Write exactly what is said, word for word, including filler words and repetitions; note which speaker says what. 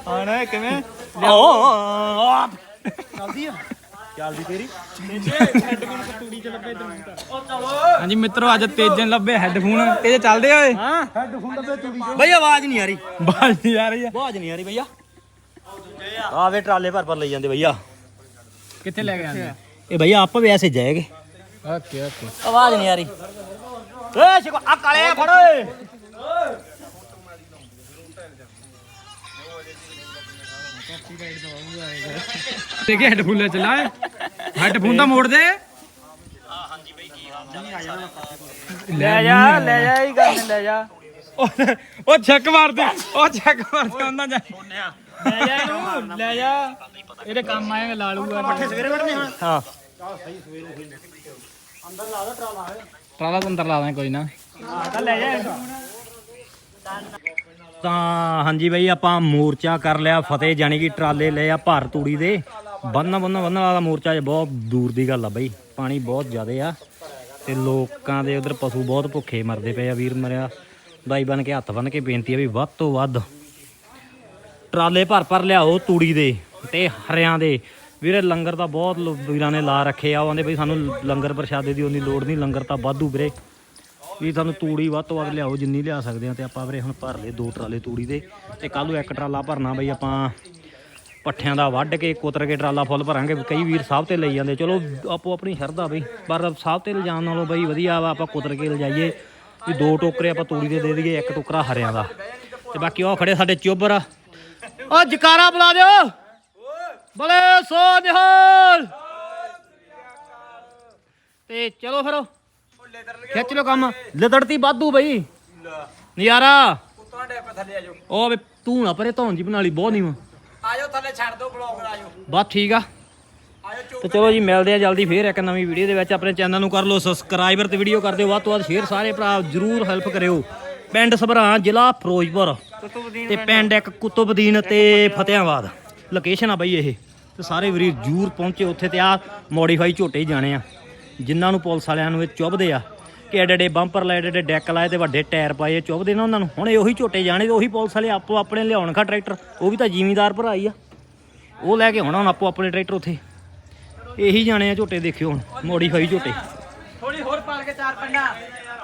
Speaker 1: ਆਣਾ ਕਿਵੇਂ
Speaker 2: ਚੱਲਦੀ ਆ
Speaker 1: ਚੱਲਦੀ ਤੇਰੀ
Speaker 3: ਹਾਂਜੀ ਮਿੱਤਰੋ ਅੱਜ ਤੇਜਨ ਲੱਭੇ ਹੈੱਡਫੋਨ ਤੇਜ ਚੱਲਦੇ ਓਏ
Speaker 1: ਹਾਂ
Speaker 2: ਹੈਡਫੋਨ ਦਾ ਤੂੜੀ
Speaker 1: ਬਈ ਆਵਾਜ਼ ਨਹੀਂ ਆ ਰਹੀ
Speaker 3: ਬਾਜ ਨਹੀਂ ਆ ਰਹੀ ਆ
Speaker 1: ਆਵਾਜ਼ ਨਹੀਂ ਆ ਰਹੀ ਭਈਆ ਆਵੇ ਟਰਾਲੇ ਭਰ ਭਰ ਲਈ ਜਾਂਦੇ ਭਈਆ
Speaker 3: ਕਿੱਥੇ ਲੈ ਕੇ ਜਾਂਦੇ
Speaker 1: ਇਹ ਭਈਆ ਆਪਾਂ ਵੀ ਐਸੇ ਜਾਏਗੇ
Speaker 3: ਓਕੇ ਓਕੇ
Speaker 1: ਆਵਾਜ਼ ਨਹੀਂ ਆ ਰਹੀ ਏ ਸ਼ਿਕੋ ਆ ਕਾਲੇ ਫੜ ਓਏ
Speaker 3: ਦੇਖੇ ਹੈੱਡਫੋਨ ਲੈ ਚਲਾ ਹੈੱਡਫੋਨ ਤਾਂ ਮੋੜ ਦੇ
Speaker 1: ਲੈ ਜਾ ਲੈ ਜਾ ਹੀ ਗੱਲ ਲੈ ਜਾ
Speaker 3: ਉਹ ਛੱਕ ਮਾਰਦੇ ਉਹ ਛੱਕ ਮਾਰਦੇ ਉਹਨਾਂ ਜਾ
Speaker 1: ਲੈ ਜਾ ਇਹਨੂੰ ਲੈ ਜਾ
Speaker 3: ਇਹਦੇ ਕੰਮ ਆਏਗਾ ਲਾਲੂਗਾ
Speaker 1: ਪੱਠੇ ਸਵੇਰੇ ਵੜਨੇ ਹਾਂ ਹਾਂ
Speaker 3: ਟਰਾਲਾ ਤਾਂ ਅੰਦਰ ਲਾ ਦਾਂ ਕੋਈ ਨਾ
Speaker 1: ਤਾਂ ਲੈ ਜਾ ਤਾਂ ਹਾਂਜੀ ਬਈ ਆਪਾਂ ਮੋਰਚਾ ਕਰ ਲਿਆ ਫਤਿਹ ਜਾਨੀ ਕਿ ਟਰਾਲੇ ਲਏ ਆ ਭਰ ਤੂੜੀ ਦੇ ਬੰਨ ਬੰਨ ਬੰਨ ਵਾਲਾ ਮੋਰਚਾ ਜੇ ਬਹੁਤ ਦੂਰ ਦੀ ਗੱਲ ਆ ਬਈ ਪਾਣੀ ਬਹੁਤ ਜ਼ਿਆਦੇ ਆ ਤੇ ਲੋਕਾਂ ਦੇ ਉਧਰ ਪਸ਼ੂ ਬਹੁਤ ਭੁੱਖੇ ਮਰਦੇ ਪਏ ਆ ਵੀਰ ਮਰਿਆ ਬਾਈ ਬਣ ਕੇ ਹੱਥ ਬੰਨ ਕੇ ਬੇਨਤੀ ਆ ਵੀ ਵੱਧ ਤੋਂ ਵੱਧ ਟਰਾਲੇ ਭਰ ਭਰ ਲਿਆਓ ਤੂੜੀ ਦੇ ਤੇ ਹਰਿਆਂ ਦੇ ਵੀਰੇ ਲੰਗਰ ਤਾਂ ਬਹੁਤ ਵੀਰਾਂ ਨੇ ਲਾ ਰੱਖੇ ਆ ਉਹ ਆਂਦੇ ਬਈ ਸਾਨੂੰ ਲੰਗਰ ਪ੍ਰਸ਼ਾਦੇ ਦੀ ਉਨੀ ਲੋੜ ਨਹੀਂ ਲੰਗਰ ਤਾਂ ਵਾਧੂ ਵੀਰੇ ਵੀ ਤੁਹਾਨੂੰ ਤੂੜੀ ਵੱਧ ਤੋਂ ਵੱਧ ਲਿਆਓ ਜਿੰਨੀ ਲਿਆ ਸਕਦੇ ਆ ਤੇ ਆਪਾਂ ਵੀਰੇ ਹੁਣ ਭਰ ਲਏ ਦੋ ਟਰਾਲੇ ਤੂੜੀ ਦੇ ਤੇ ਕੱਲ ਨੂੰ ਇੱਕ ਟਰਾਲਾ ਭਰਨਾ ਬਈ ਆਪਾਂ ਪੱਠਿਆਂ ਦਾ ਵੱਢ ਕੇ ਕੁਤਰ ਕੇ ਟਰਾਲਾ ਫੁੱਲ ਭਰਾਂਗੇ ਕਈ ਵੀਰ ਸਾਹਿਬ ਤੇ ਲਈ ਜਾਂਦੇ ਚਲੋ ਆਪੋ ਆਪਣੀ ਸ਼ਰਧਾ ਬਈ ਪਰ ਸਾਹਿਬ ਤੇ ਲਿਜਾਣ ਨਾਲੋਂ ਬਈ ਵਧੀਆ ਵਾ ਆਪਾਂ ਕੁਤਰ ਕੇ ਲਿਜਾਈਏ ਵੀ ਦੋ ਟੋਕਰੇ ਆਪਾਂ ਤੂੜੀ ਦੇ ਦੇ ਦਈਏ ਇੱਕ ਟੋਕਰਾ ਹਰਿਆਂ ਦਾ ਤੇ ਬਾਕੀ ਉਹ ਖੜੇ ਸਾਡੇ ਚੋਬਰ ਉਹ ਜਕਾਰਾ ਬੁਲਾ ਦਿਓ ਬਲੇ ਸੋ ਨਿਹਾਲ ਤੇ ਚਲੋ ਫਿਰ ਖਿੱਚ ਲੋ ਕੰਮ ਲਦੜਤੀ ਵਾਧੂ ਬਈ ਨਜ਼ਾਰਾ ਉਹ ਵੇ ਤੂੰ ਨਾ ਪਰੇ ਧੌਣ ਜੀ ਬਣਾ ਲਈ ਬਹੁਤ ਨੀਵਾ
Speaker 3: ਆਜੋ ਥੱਲੇ ਛੱਡ ਦੋ ਬਲੌਗ ਆਜੋ
Speaker 1: ਬਸ ਠੀਕ ਆ ਤੇ ਚਲੋ ਜੀ ਮਿਲਦੇ ਆ ਜਲਦੀ ਫੇਰ ਇੱਕ ਨਵੀਂ ਵੀਡੀਓ ਦੇ ਵਿੱਚ ਆਪਣੇ ਚੈਨਲ ਨੂੰ ਕਰ ਲਓ ਸਬਸਕ੍ਰਾਈਬਰ ਤੇ ਵੀਡੀਓ ਕਰ ਦਿਓ ਵੱਧ ਤੋਂ ਵੱਧ ਸ਼ੇਅਰ ਸਾਰੇ ਭਰਾ ਜਰੂਰ ਹੈਲਪ ਕਰਿਓ ਪਿੰਡ ਸਭਰਾਂ ਜ਼ਿਲ੍ਹਾ ਫਿਰੋਜ਼ਪੁਰ ਤੇ ਪਿੰਡ ਇੱਕ ਕੁਤਬਦੀਨ ਤੇ ਫਤਿਆਬਾਦ ਲੋਕੇਸ਼ਨ ਆ ਬਈ ਇਹ ਤੇ ਸਾਰੇ ਵੀਰ ਜਰੂਰ ਪਹੁੰਚੇ ਉੱਥੇ ਤੇ ਆ ਮੋਡੀਫਾਈ ਝੋਟੇ ਹੀ ਜਾਣੇ ਆ ਜਿਨ੍ਹਾਂ ਨੂੰ ਪੁਲਿਸ ਵਾਲਿਆਂ ਨੂੰ ਇਹ ਚੁੱਭਦੇ ਆ ਕਿ ਐਡੇ ਐਡੇ ਬੰਪਰ ਲਾਏ ਐਡੇ ਐਡੇ ਡੈਕ ਲਾਏ ਤੇ ਵੱਡੇ ਟਾਇਰ ਪਾਏ ਚੁੱਭਦੇ ਨਾ ਉਹਨਾਂ ਨੂੰ ਹੁਣ ਇਹ ਉਹੀ ਝੋਟੇ ਜਾਣੇ ਤੇ ਉਹੀ ਪੁਲਿਸ ਵਾਲੇ ਆਪੋ ਆਪਣੇ ਲਿਆਉਣ ਖਾ ਟਰੈਕਟਰ ਉਹ ਵੀ ਤਾਂ ਜ਼ਿਮੀਂਦਾਰ ਭਰਾ ਹੀ ਆ ਉਹ ਲੈ ਕੇ ਹੁਣ ਹੁਣ ਆਪੋ ਆਪਣੇ ਟਰੈਕਟਰ ਉੱਥੇ ਇਹੀ ਜਾਣੇ ਆ ਝੋਟੇ ਦੇਖਿਓ ਹੁਣ ਮੋਡੀਫਾਈ ਝੋਟੇ
Speaker 3: ਥੋੜੀ ਹੋਰ ਪਾਲ ਕੇ ਚਾਰ ਪੰਡਾ